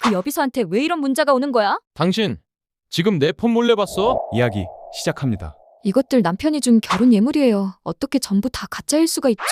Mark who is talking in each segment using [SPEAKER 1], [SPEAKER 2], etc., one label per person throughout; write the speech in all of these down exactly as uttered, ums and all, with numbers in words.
[SPEAKER 1] 그 여비서한테 왜 이런 문자가 오는 거야?
[SPEAKER 2] 당신 지금 내 폰 몰래 봤어?
[SPEAKER 3] 이야기 시작합니다.
[SPEAKER 1] 이것들 남편이 준 결혼 예물이에요. 어떻게 전부 다 가짜일 수가 있죠?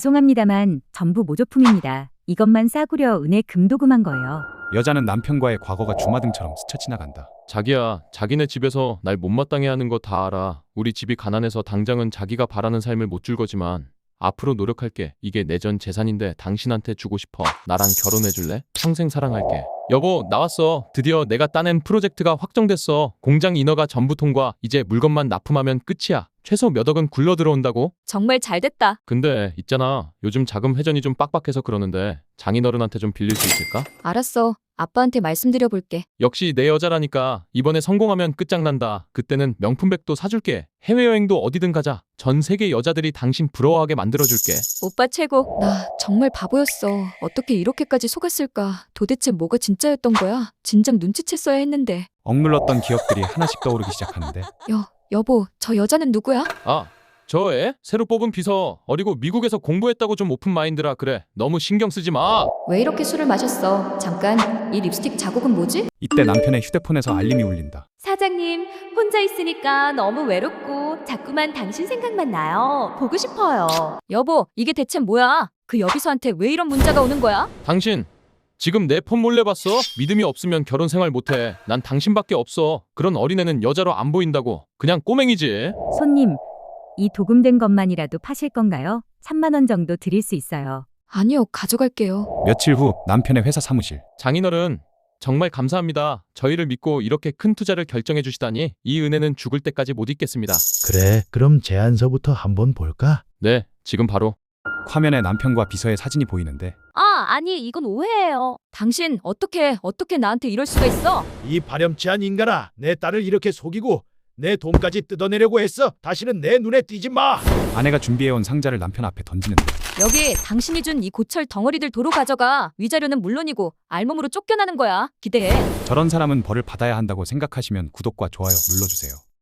[SPEAKER 4] 죄송합니다만 전부 모조품입니다. 이것만 싸구려 은혜 금도금한 거예요.
[SPEAKER 3] 여자는 남편과의 과거가 주마등처럼 스쳐 지나간다.
[SPEAKER 2] 자기야, 자기네 집에서 날 못마땅해 하는 거 다 알아. 우리 집이 가난해서 당장은 자기가 바라는 삶을 못 줄 거지만 앞으로 노력할게. 이게 내 전 재산인데 당신한테 주고 싶어. 나랑 결혼해 줄래? 평생 사랑할게. 여보, 나왔어. 드디어 내가 따낸 프로젝트가 확정됐어. 공장 인허가 전부 통과. 이제 물건만 납품하면 끝이야. 최소 몇 억은 굴러 들어온다고?
[SPEAKER 1] 정말 잘 됐다.
[SPEAKER 2] 근데 있잖아. 요즘 자금 회전이 좀 빡빡해서 그러는데 장인어른한테 좀 빌릴 수 있을까?
[SPEAKER 1] 알았어. 아빠한테 말씀드려 볼게.
[SPEAKER 2] 역시 내 여자라니까. 이번에 성공하면 끝장난다. 그때는 명품백도 사줄게. 해외여행도 어디든 가자. 전 세계 여자들이 당신 부러워하게 만들어줄게.
[SPEAKER 1] 오빠 최고. 나 정말 바보였어. 어떻게 이렇게까지 속았을까? 도대체 뭐가 진짜였던 거야? 진작 눈치챘어야 했는데.
[SPEAKER 3] 억눌렀던 기억들이 하나씩 떠오르기 시작하는데
[SPEAKER 1] 여, 여보, 저 여자는 누구야?
[SPEAKER 2] 아, 저 애? 새로 뽑은 비서. 어리고 미국에서 공부했다고 좀 오픈 마인드라 그래. 너무 신경 쓰지 마.
[SPEAKER 1] 왜 이렇게 술을 마셨어? 잠깐, 이 립스틱 자국은 뭐지?
[SPEAKER 3] 이때 남편의 휴대폰에서 알림이 울린다.
[SPEAKER 5] 사장님, 혼자 있으니까 너무 외롭고 자꾸만 당신 생각만 나요. 보고 싶어요.
[SPEAKER 1] 여보, 이게 대체 뭐야? 그 여비서한테 왜 이런 문자가 오는 거야?
[SPEAKER 2] 당신 지금 내 폰 몰래 봤어? 믿음이 없으면 결혼 생활 못해. 난 당신밖에 없어. 그런 어린애는 여자로 안 보인다고. 그냥 꼬맹이지.
[SPEAKER 4] 손님, 이 도금된 것만이라도 파실 건가요? 삼만 원 정도 드릴 수 있어요.
[SPEAKER 1] 아니요, 가져갈게요.
[SPEAKER 3] 며칠 후 남편의 회사 사무실.
[SPEAKER 2] 장인어른, 정말 감사합니다. 저희를 믿고 이렇게 큰 투자를 결정해 주시다니 이 은혜는 죽을 때까지 못 잊겠습니다.
[SPEAKER 6] 그래, 그럼 제안서부터 한번 볼까?
[SPEAKER 2] 네, 지금 바로.
[SPEAKER 3] 화면에 남편과 비서의 사진이 보이는데
[SPEAKER 5] 아, 아니, 이건 오해예요.
[SPEAKER 1] 당신 어떻게 어떻게 나한테 이럴 수가 있어?
[SPEAKER 6] 이 발염치한 인간아, 내 딸을 이렇게 속이고 내 돈까지 뜯어내려고 했어. 다시는 내 눈에 띄지 마.
[SPEAKER 3] 아내가 준비해온 상자를 남편 앞에 던지는데
[SPEAKER 1] 여기 당신이 준 이 고철 덩어리들 도로 가져가. 위자료는 물론이고 알몸으로 쫓겨나는 거야. 기대해.
[SPEAKER 3] 저런 사람은 벌을 받아야 한다고 생각하시면 구독과 좋아요 눌러주세요.